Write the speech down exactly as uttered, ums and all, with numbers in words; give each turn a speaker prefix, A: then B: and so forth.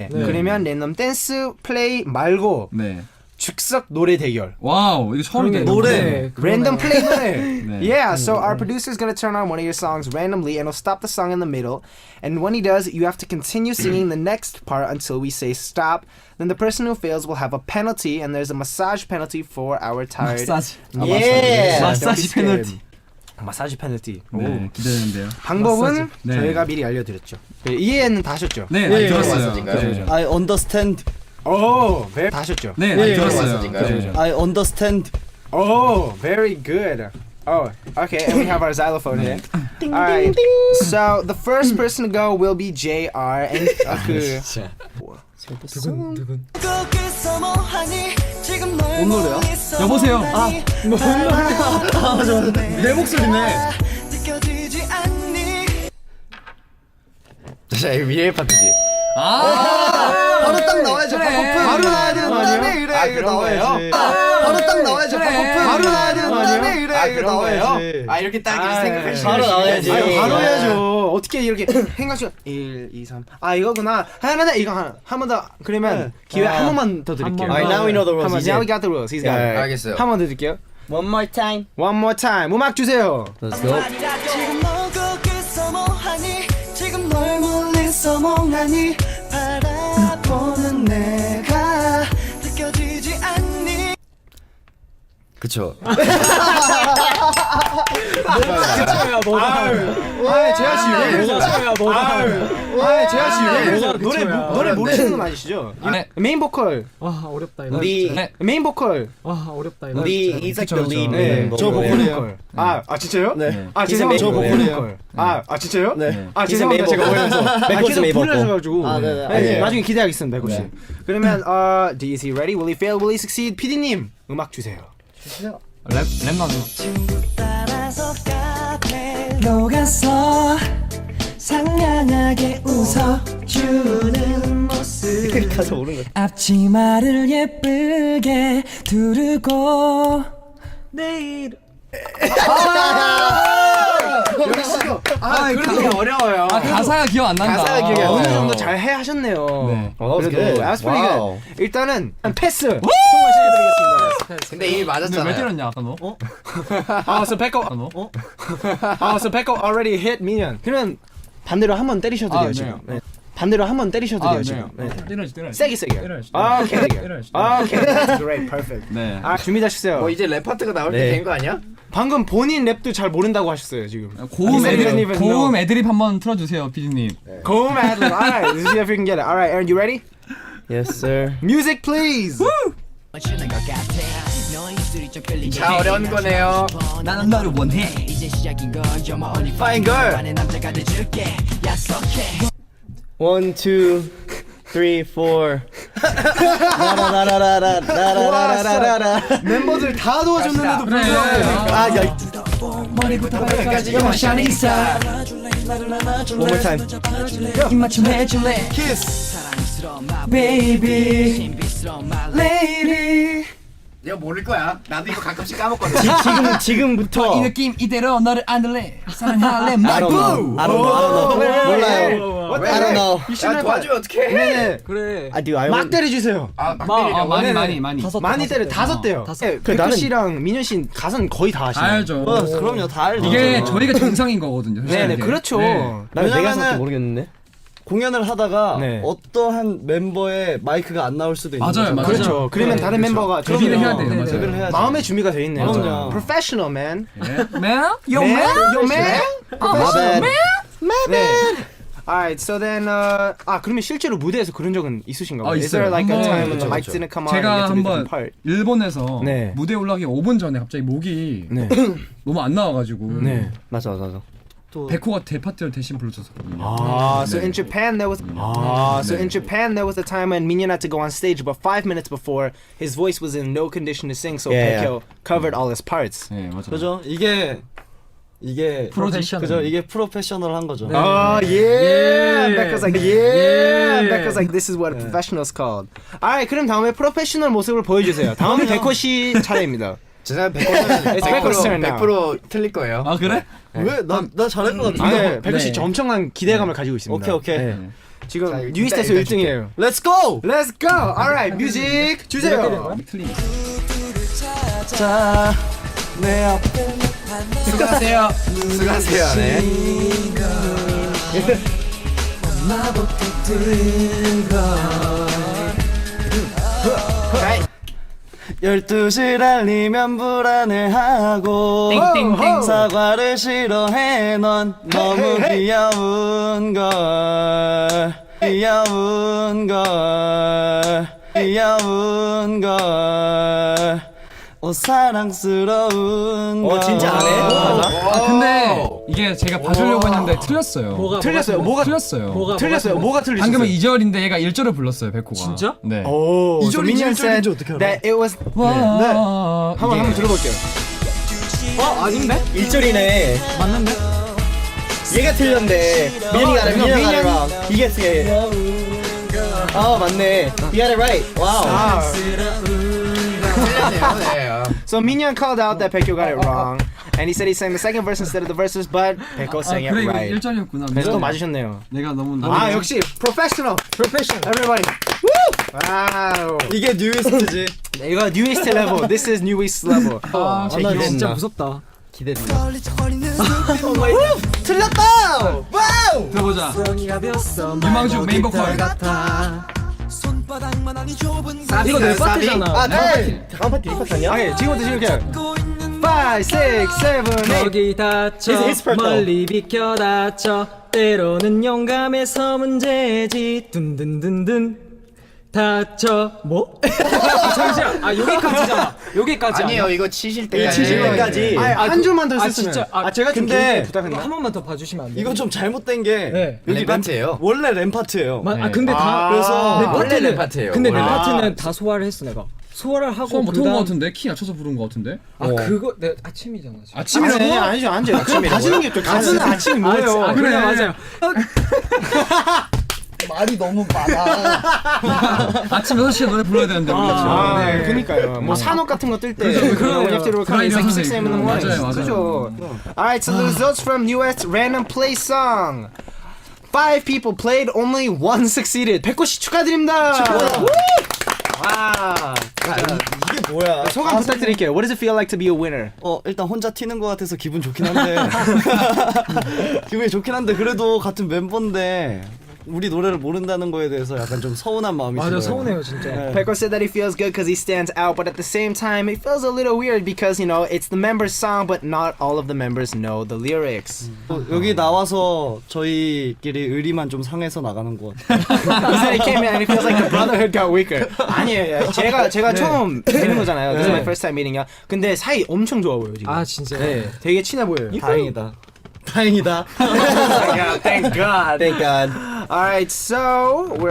A: 네. 그러면 랜덤 댄스 플레이 말고
B: 네.
A: 즉석 노래 대결.
B: 와우, 이거 처음이네.
A: 노래. 랜덤 플레이 노래.
B: 네.
A: Yeah, so our producer is gonna turn on one of your songs randomly and he'll stop the song in the middle. And when he does, you have to continue singing the next part until we say stop. Then the person who fails will have a penalty, and there's a massage penalty for our tired.
B: 마사지.
A: Yeah.
B: 마사지 페널티.
A: 마사지 페널티.
B: 네, 기대되는데요.
A: 방법은
B: 마사지. 네.
A: 저희가 미리 알려드렸죠. 네, 이해는 다 하셨죠?
B: 네, 많이 들었어요.
A: 네.
C: I understand.
A: 오, very 다 하셨죠?
B: 네, 많이 들었어요. 네.
C: I understand.
A: Oh, very good. Oh, okay, and we have our xylophone here. All right. So the first person to go will be J R and uh, 그
C: 뭔 노래야?
B: 여보세요. 아,
C: 내 목소리네.
D: 자, 이거 미래 파트지.
B: 아,
C: 바로 딱 나와야죠.
B: 그래.
C: 바로 나와야 되는 거 아니에요?
A: 그래,
D: 아,
A: 이거
D: 그런
A: 나와야지.
D: 거예요?
C: 바로 딱 나와야죠.
B: 그래.
C: 바로 나와야 되는 거 아니에요?
A: 그래,
D: 아,
A: 이거
D: 그런 거예요?
A: 나와야지.
D: 아, 이렇게 딱 이렇게 생각하시면
C: 바로 나와야지.
A: 아니, 바로 해야죠. 어떻게 이렇게 생각시 일, 이, 삼. 아, 이거구나. 하나, 이거 하나. 한 번 더. 그러면 기회 한 번만 더 드릴게요.
C: Alright, now we know the rules.
A: 한 번.
C: 이제.
A: Now we got the rules. He's got it.
D: 알겠어요.
A: 한 번 더 드릴게요.
C: One more time.
A: One more time. 음악 주세요.
C: Let's go.
E: 지금 너 거기서 뭐하니 지금 널 멀리서 멍하니 바라보는 내가 느껴지지 않니
D: 그쵸.
A: 아, 재하 씨 왜? 뭐가 뭐가? 아, 재하 씨 왜? 노래 모- 노래 모르시는 건 아니시죠?
B: 네.
A: 메인 보컬.
F: 와 어렵다 이거.
C: 우리
B: 네.
A: 메인 보컬.
F: 와 어렵다 이거.
C: 우리 he's like the
B: 그쵸,
C: lead.
B: 그쵸.
A: 네.
C: 네.
A: 저
C: 네.
A: 보컬이에요. 아, 아 진짜요?
C: 네.
A: 아,
C: He's a
A: 죄송합니다. 저
C: main
A: 보컬이에요.
C: vocal.
A: 아, 아 진짜요?
C: 네.
A: 아,
C: He's a
A: 죄송합니다.
C: main
A: 제가
C: vocal.
A: 오해해서. 아,
C: Beck's
A: 계속
C: a main
A: 불을
C: vocal.
A: 하셔가지고.
C: 아, 네, 네.
A: 네,
C: 아니에요.
A: 나중에 기대하겠습니다, 백호 씨. 그러면 어, is he ready? Will he fail? Will he succeed? 피디님, 음악 주세요.
B: 랩, 랩 나눠.
E: 따라서 카페 녹아서 상냥하게 웃어주는 모습
C: 가서 오는 거.
E: 앞치마를 예쁘게 두르고 내일
A: 아, 그게 어려워요.
B: 아, 가사가 기억 안 난다.
D: 가사가 기억이 안
A: 어느
D: 나요.
A: 정도 잘 해 하셨네요.
B: 네.
D: 어,
A: 그래도
D: good.
A: that's pretty
D: 와우.
A: good. 일단은 패스. 통과시켜드리겠습니다.
D: 근데 이미
B: 근데 왜
D: 맞았잖아요.
B: 때렸냐, 아까 너? 어?
A: 아, so Peko.
B: 아까 너? 어?
A: 아, so Peko already hit Minion. 그러면 반대로 한 번 때리셔도
B: 아,
A: 돼요
B: 네.
A: 지금. 네. 반대로 한 번 때리셔도
B: 아,
A: 돼요
B: 네.
A: 지금. 네.
B: 때려야지, 때려야지.
A: 세게 세게.
B: 때려야지.
A: 아, 오케이.
B: 때려야지.
A: 아, 오케이. That's great, perfect.
B: 네.
A: 아, 준비되셨어요?
D: 뭐 이제 랩 파트가 나올
C: 네.
D: 때 된 거 아니야?
A: 방금 본인 랩도 잘 모른다고 하셨어요 지금.
B: 고음
A: He didn't
B: 애드립,
A: even know.
B: 고음 애드립 한번 틀어주세요, 피디님.
A: 고음 ad-lib. All right, let's see if we can get it. All right, Aaron, you ready?
C: Yes, sir.
A: Music, please.
D: 자, 어려운 거네요.
B: 나는 너를 원해.
C: Fine girl. One, two, three, four. 라라라라라라라라라라.
A: 멤버들 다 도와줬는데도 불구하고.
C: 아, 야.
E: 머리부터 발끝까지 영화 샤니사
C: One more time.
E: 입맞춤 해줄래
A: Kiss.
E: baby lady
D: 내가 모를 거야. 나도 이거 가끔씩 까먹거든.
C: 지, 지금 지금부터.
B: 이 느낌 이대로 너를 안을래. 사랑할래.
C: I don't know. I don't know. I don't know. 몰라요.
A: What the
C: I don't
A: heck?
C: know.
A: You should
D: 야,
A: have.
D: 도와주면 어떡해.
A: 네네.
F: 그래.
C: I do. I
A: 막 때려주세요.
D: 아,
B: 마,
D: 막밀이라고.
B: 아, 많이,
A: 네네.
B: 많이, 많이.
F: 다섯
A: 많이 때려.
F: 대.
A: 다섯 대요.
F: 다섯
A: 네,
C: 그
A: 백호
C: 나는-
A: 씨랑 민현 씨 가사는 거의 다 아시네요.
B: 알죠.
C: 어, 그럼요. 다 알죠.
B: 이게 저희가 정상인 거거든요.
A: 네네,
B: 솔직하게.
A: 그렇죠.
B: 네.
A: 나는 내가
C: 왜냐면은
A: 생각도 모르겠는데.
C: 공연을 하다가
A: 네.
C: 어떠한 멤버의 마이크가 안 나올 수도 있는
B: 맞아요,
C: 거죠.
B: 맞아요.
A: 그렇죠. 그러면
B: 네,
A: 다른
B: 그렇죠.
A: 멤버가
B: 데뷔를 해야 돼요.
A: 그럼요.
B: 맞아요.
C: 데뷔를 해야죠.
A: 마음의 준비가 돼 있네요.
C: 그럼요.
A: Professional man.
B: Man? Yo,
A: Man,
B: man?
A: yo man.
C: My bad.
A: 네. Alright, so then uh, 아 그러면 실제로 무대에서 그런 적은 있으신가요?
B: 아,
A: Is there
B: 있어요.
A: like a
B: 한번-
A: time when the
D: 그쵸,
A: mics
D: 그쵸.
A: didn't come on and you
B: 제가
A: had to do
B: 한번
A: different part?
B: 일본에서
A: 네.
B: 무대 올라가기 오 분 전에 갑자기 목이
A: 네.
B: 너무 안 나와가지고
A: 네.
C: 맞아, 맞아. 또
B: 백호가 대파트를 대신 불러줬었거든요.
A: Ah, so
B: 네.
A: in Japan there was ah, so in Japan there was a time when Minhyun had to go on stage, but five minutes before his voice was in no condition to sing, so
C: Yeah,
A: Baekhyun covered all his parts.
B: 네, 맞아요.
C: 그죠? 이게 이게
B: 프로페셔널.
C: 그죠? 이게 프로페셔널한 거죠.
A: Oh yeah,
B: Yeah.
A: Becca's like yeah,
B: Yeah.
A: Becca's like this is what a professional's called. Alright, 그럼 다음에 프로페셔널 모습을 보여주세요. 다음에 백호 씨 차례입니다.
D: 제 생각에 백 퍼센트
A: It's Becca's turn now.
D: 백 퍼센트 틀릴 거예요.
B: 아 그래?
C: 왜? 나, 나 잘할 것
A: 아,
C: 같은데.
A: 네, 백호 씨
B: 네.
A: 엄청난 기대감을 가지고 있습니다.
C: 오케이, 오케이.
A: 네. 지금
D: 자, 이거
A: 뉴이스트에서
D: 이따
A: 일 등이에요.
C: Let's go.
A: Let's go. Alright, 뮤직 주세요.
B: 틀린.
C: 자, 내 앞에
D: 수고하세요. 수고하세요. 네.
C: 열두 시 달리면 불안해하고
A: 땡땡땡.
C: 사과를 싫어해 넌 너무 귀여운 걸 귀여운 걸 귀여운 걸 오 사랑스러운 걸.
A: 어, 진짜 안 해?
B: 아 근데 이게 제가 봐주려고 했는데 틀렸어요.
F: 뭐가
A: 틀렸어요. 뭐가
B: 틀렸어요.
F: 뭐가
A: 틀렸어요. 뭐가 틀리셨어요?
B: 방금은 이 절인데 얘가 일 절을 불렀어요, 백호가.
F: 진짜?
B: 네.
A: 오,
C: 이 절인지
A: 미니언
C: 일 절인지
A: said
C: 어떻게 알아?
A: that it was
B: 와.
A: 한번 한번 들어볼게요.
F: 어 아닌데?
C: 일 절이네.
F: 맞는데?
C: 얘가 틀렸네. 민이가 알아,
A: 민이가
C: 민이가
A: 알아.
C: 알아. 이게 세. 아 맞네. You got it right. 와우.
A: Ah.
D: 틀렸네요. 네.
A: So Minion called out that Pekyo got it wrong, and he said he sang the second verse instead of the verses, but Pekyo
B: 아,
A: sang it
B: 그래 이거
A: right.
B: 일 절이었구나.
A: 그래서 또 맞으셨네요.
B: 내가 너무
A: 아 역시 professional, professional. Everybody. Woo! 와우.
C: 이게 뉴이스트지.
A: 이거 newest level. This is newest level.
B: 아,
A: 제
F: 나
A: 기대된다.
F: 진짜 무섭다.
C: 기대된다.
A: 틀렸다. 와우.
B: 들어보자.
E: 유망주
B: 유망주 메인 보컬.
F: 이거 내 파트잖아.
C: 아, 네. 다음 파티 이 파티 아니야?
A: 오케이 지금부터 이렇게. Five, six, seven, eight.
F: 여기 다쳐
C: It's his part,
F: 멀리 비켜 다쳐 때로는 용감해서 문제지 둔둔둔둔 다쳐 뭐? 아, 잠시만 아 여기까지잖아 여기까지
D: 아니에요. 이거 치실 때까지.
C: 치실 때까지.
A: 아니, 한 줄만 더
F: 아,
A: 썼으면.
F: 진짜? 아,
A: 제가 좀
C: 근데
A: 근데 부탁했나?
F: 한 번만 더 봐주시면 안 돼요?
C: 이건 좀 잘못된 게
F: 네.
C: 여기
D: 랩 파트예요.
C: 원래 램 파트예요.
F: 마, 아 근데 다
C: 그래서
F: 내
D: 원래
F: 파트는
D: 랩 파트예요.
F: 근데 내
D: 원래.
F: 파트는 다 소화를 했어 내가 소화를 하고
B: 소원 못한 거
F: 그다음-
B: 같은데 키 낮춰서 부른 거 같은데.
F: 아 그거 내 아침이잖아 지금.
B: 아침이라고?
A: 아니, 아니죠, 아니죠. 그냥 다지는 게 또 가수는 아침이 뭐예요?
F: 아, 그래 맞아요.
C: 말이 너무 많아.
B: 아침 여섯 시에 노래 불러야 되는데 우리 그렇죠.
A: 아, 네. 그러니까요. 뭐 산업 같은 거 뜰 때.
F: 그래요.
A: We have to record
B: 그런
A: like
B: 여섯
A: six
B: 시.
A: a.m. in the morning.
B: 맞아요, 맞아요.
A: 그죠? Alright, so the results from newest random play song. Five people played, only one succeeded. 백호 씨 축하드립니다. 와.
C: 이게 뭐야?
A: 소감 부탁드릴게요. What does it feel like to be a winner?
C: 어 일단 혼자 튀는 것 같아서 기분 좋긴 한데 기분이 좋긴 한데 그래도 같은 멤버인데 우리 노래를 모른다는 거에 대해서 약간 좀 서운한 마음이
F: 맞아
C: 들어요.
F: 서운해요 진짜.
C: 네.
A: Peko said that he feels good because he stands out, but at the same time, it feels a little weird because, you know, it's the members' song, but not all of the members know the lyrics.
C: 또 여기 나와서 저희끼리 의리만 좀 상해서 나가는 것 같아요.
A: He said he came in and it feels like the brotherhood got weaker. 아니에요. 제가 제가 처음 뵈는 거잖아요. This is my first time meeting이야. 근데 사이 엄청 좋아 보여요 지금.
F: 아 진짜.
A: 네, 되게 친해 보여요.
C: 다행이다. 다행이다.
A: Yeah, thank God.
C: Thank God.
A: All right, so we're